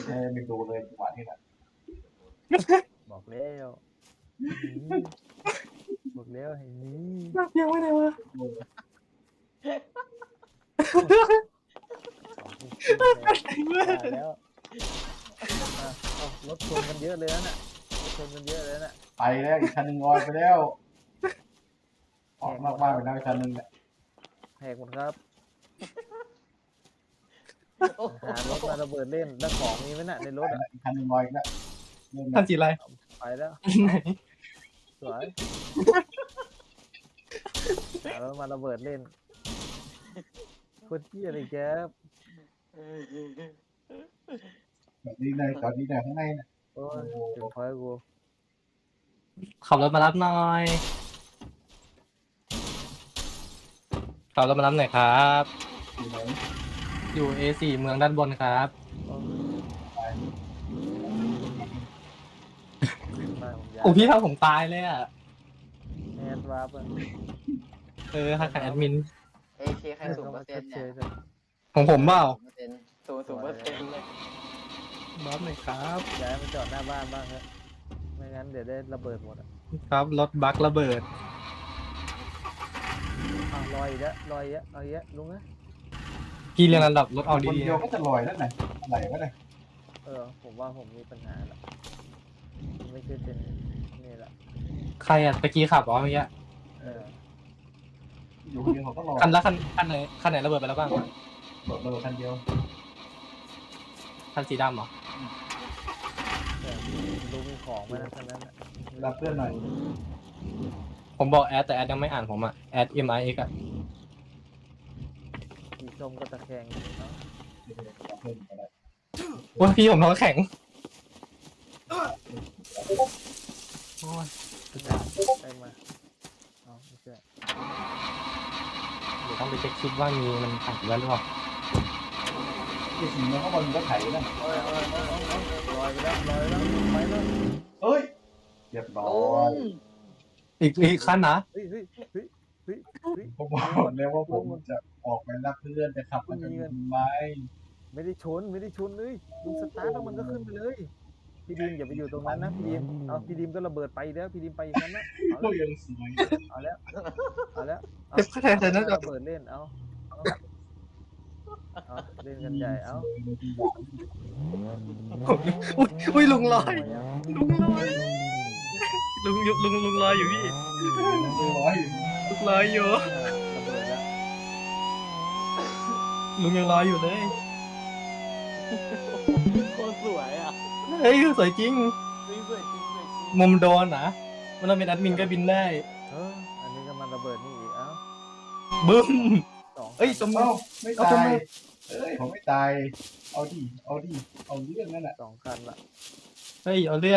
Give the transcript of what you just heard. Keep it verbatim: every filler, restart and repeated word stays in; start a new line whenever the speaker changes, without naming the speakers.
ไม่ดูเลยจังหวะนี้แหละ
บอกแล้วบอกแล้วไอ้นี่
นักยังไม่ได้วะ
แล้วรถชนกันเยอะเลยนะรถชนกันเยอะเลยนะ
ไปแล้วอีกคันหนึ่งลอยไปแล้วออกนอกบ้านไปแล้วอีกคันหนึ่งเนี่ย
แหกหมดครับหารถมาระเบิดเล่นแล้วของมีไหมน่ะในรถอ่ะ
อีกคันหนึ่งลอยแล้ว
คันสีอะไร
ไปแล้วสวยหารถมาระเบิดเล่นคนที่อะไรแก
แบบนี้เลยตอนนี้เนี่ยข้างในเนี่ย
โอ้ยถึงพอยกู
ขับรถมารับหน่อยขับรถมารับหน่อยครับ
อยู่ไหน
อยู่ เอ สี่ เมืองด้านบนครับโอ้พี่ทำผมตายเลยอ่ะ
แอดวาร์ป
เออฮักแอดมิน
เอเคใครสูงเปอร์เซ็นต์เนี่ย
ของผมเปล่า
สูงสูงเปอร์เซ็นต์เลย
บัฟหน่อยครับ
ย้ายมาจอดหน้าบ้านบ้างครับไม่งั้นเดี๋ยวได้ระเบิดหมดอ่ะ
ครับรถบัคระเบิด
อ้าวลอยอีกแล้วลอยอีกแล้วเอาอีกแล้วลุงนะ
พี่เรียนระดับรถเอาดี
ๆคนเดียวก็จะลอยแล้วไหนอะไรวะเนี่ย
เออผมว่าผมมีปัญหาละไม่ใช่เป็นนี่แหละ
ใครอ่ะตะกี้ขับอ๋อเมื่อกี้
เออ
อยู่คนเดียวเขาก็ลอย
คันละคันคันไหนคันไหนระเบิดไปแล้วบ้าง
ระเบิดคันเดียว
คันสีดำเหรอ
ลุงมีของไหมนะคันนั้น
รับเพื่อนหน่อย
ผมบอกแอดแต่แอดยังไม่อ่านผมอ่ะแอด เอ็ม ไอ เอ็กซ์ อ่ะ
สีส้มก็ตะแคงอยู่เนาะ
ว่าพี่ผมท้องแข็งโอ้ย
ได้มาอ๋อไม่ใช่
เดี๋ยวต้องไปเช็คคลิปว่ามีมันขัดแล้วหรือเปล่า
ที่สิ่งนี้ข้างบนก็ไถนะ
ลอยลอยลอยลอยไปแล้วลอยแล้วไปแล้ว
เฮ้ยเรียบร้อย
อีกอีกขั้นนะ
เฮ้ยเฮ้ยเฮ้ยเฮ้ยเฮ้ย
ผมบอกแล้วว่าผมจะออกไปรับเพื่อนจะขับมันจะมีไหม
ไม่ได้ชนไม่ได้ชนเลยลุงสตาร์ทแล้วมันก็ขึ้นไปเลยพี่ดีมอย่าไปอยู่ตรงนั้นนะพี่ดีมเอาพี่ดีมก็ระเบิดไปแล้วพี่ดีมไปอย่างนั้นนะ
ก็ยังสวย
เอาแล้วเอาแล้ว
เจ็บแค่ไหนนะ
ระเบิดเล่นเอาเอาเล่นกันใหญ่เอา
อุ้ยลุงลอยลุงลอยลุงลุงลุงลอยอยู่พี่
ลุงลอยอยู่
ลุงลอยอยู่
ระเบิดแล้ว
ลุงยังลอยอยู่เลย
โคตรสวยอ่ะ
เฮ้ยสวยจริง
สวยจริงสวยจริง
มุมโดนนะมันเป็นแอดมินก็บินได้
เอออันนี้ก็มันระเบิดนี่อีกเอ้า
บึ้ม
เอ้
ยจม
ไม่ตายเอ้ยผมไม่ตายเอาดิเอาดิเอาเรื่องนั่นแหละ
สองคันละ
เฮ้ยเอาเรื่อง